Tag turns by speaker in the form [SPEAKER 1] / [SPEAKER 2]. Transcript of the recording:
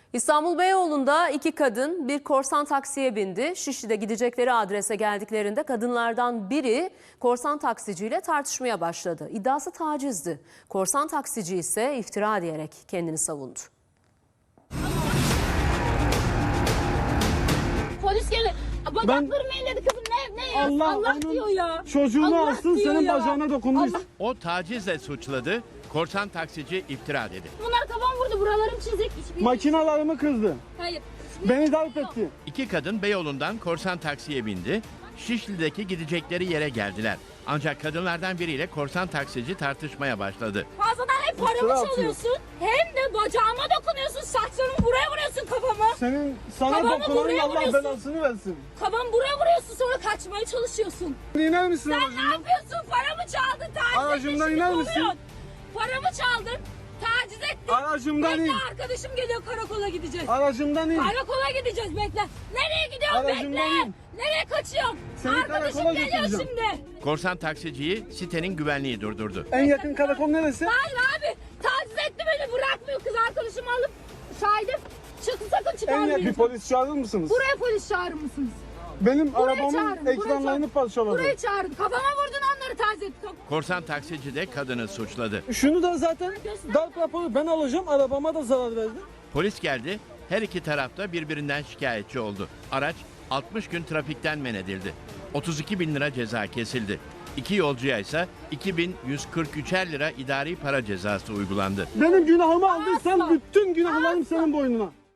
[SPEAKER 1] İstanbul Beyoğlu'nda iki kadın bir korsan taksiye bindi. Şişli'de gidecekleri adrese geldiklerinde kadınlardan biri korsan taksiciyle tartışmaya başladı. İddiası tacizdi. Korsan taksici ise iftira diyerek kendini savundu.
[SPEAKER 2] Polis geldi. Bacaklarımı elledi kızım. Ne Allah diyor ya.
[SPEAKER 3] Çocuğunu
[SPEAKER 2] Allah
[SPEAKER 3] alsın,
[SPEAKER 2] diyor
[SPEAKER 3] senin
[SPEAKER 2] ya.
[SPEAKER 3] bacağına dokunmuş.
[SPEAKER 2] Allah.
[SPEAKER 4] O tacizle suçladı, korsan taksici iftira dedi.
[SPEAKER 2] Bunlar kafam vurdu. Buralarım çizik.
[SPEAKER 3] Makinalarımı kızdı.
[SPEAKER 2] Hayır.
[SPEAKER 3] Beni darp etti.
[SPEAKER 4] İki kadın Beyoğlu'ndan korsan taksiye bindi. Şişli'deki gidecekleri yere geldiler. Ancak kadınlardan biriyle korsan taksici tartışmaya başladı.
[SPEAKER 2] Fazladan hem
[SPEAKER 3] İftira
[SPEAKER 2] paramı
[SPEAKER 3] atıyor.
[SPEAKER 2] çalıyorsun hem de bacağıma dokunuyorsun. Saçlarımı buraya vuruyorsun kafama.
[SPEAKER 3] Sana
[SPEAKER 2] Kafamı
[SPEAKER 3] dokunan
[SPEAKER 2] buraya
[SPEAKER 3] Allah
[SPEAKER 2] vuruyorsun.
[SPEAKER 3] belasını versin.
[SPEAKER 2] Kafamı buraya vuruyorsun sonra kaçmaya çalışıyorsun.
[SPEAKER 3] İner misin
[SPEAKER 2] Sen ne
[SPEAKER 3] aracımdan?
[SPEAKER 2] yapıyorsun? Paramı çaldın. Taciz
[SPEAKER 3] Aracımdan
[SPEAKER 2] etmişsin,
[SPEAKER 3] iner misin?
[SPEAKER 2] kovuyorsun. Paramı çaldın. Taciz ettin.
[SPEAKER 3] Aracımdan
[SPEAKER 2] Bekle
[SPEAKER 3] in.
[SPEAKER 2] arkadaşım geliyor, karakola gideceğiz.
[SPEAKER 3] Aracımdan in.
[SPEAKER 2] Karakola gideceğiz, bekle. Nereye gidiyorsun,
[SPEAKER 3] Aracımdan
[SPEAKER 2] bekle.
[SPEAKER 3] in.
[SPEAKER 2] Nereye kaçıyorsun?
[SPEAKER 3] Seni
[SPEAKER 2] Arkadaşım
[SPEAKER 3] karakola
[SPEAKER 2] geliyor
[SPEAKER 3] götüreceğim.
[SPEAKER 2] şimdi.
[SPEAKER 4] Korsan taksiciyi sitenin güvenliği durdurdu.
[SPEAKER 3] En yakın karakol neresi?
[SPEAKER 2] Hayır abi, taciz etti beni, bırakmıyor. Kız arkadaşımı alıp şahidim. Sakın
[SPEAKER 3] En
[SPEAKER 2] çıkarmayın.
[SPEAKER 3] yakın polis çağırır mısınız?
[SPEAKER 2] Buraya polis çağırır mısınız?
[SPEAKER 3] Benim
[SPEAKER 2] Buraya
[SPEAKER 3] arabamın
[SPEAKER 2] çağırın, buraya
[SPEAKER 3] ekranlarını
[SPEAKER 2] çağırın.
[SPEAKER 3] parçaladı.
[SPEAKER 2] Buraya çağırın. Kafama vurdun, onları taciz ettim.
[SPEAKER 4] Korsan taksici de kadını suçladı.
[SPEAKER 3] Şunu da zaten darp raporu ben alacağım. Arabama da zarar verdi.
[SPEAKER 4] Polis geldi, her iki tarafta birbirinden şikayetçi oldu. Araç 60 gün trafikten men edildi. 32 bin lira ceza kesildi. İki yolcuya ise 2143'er lira idari para cezası uygulandı.
[SPEAKER 3] Benim günahımı aldıysan bütün günahlarım senin boynuna.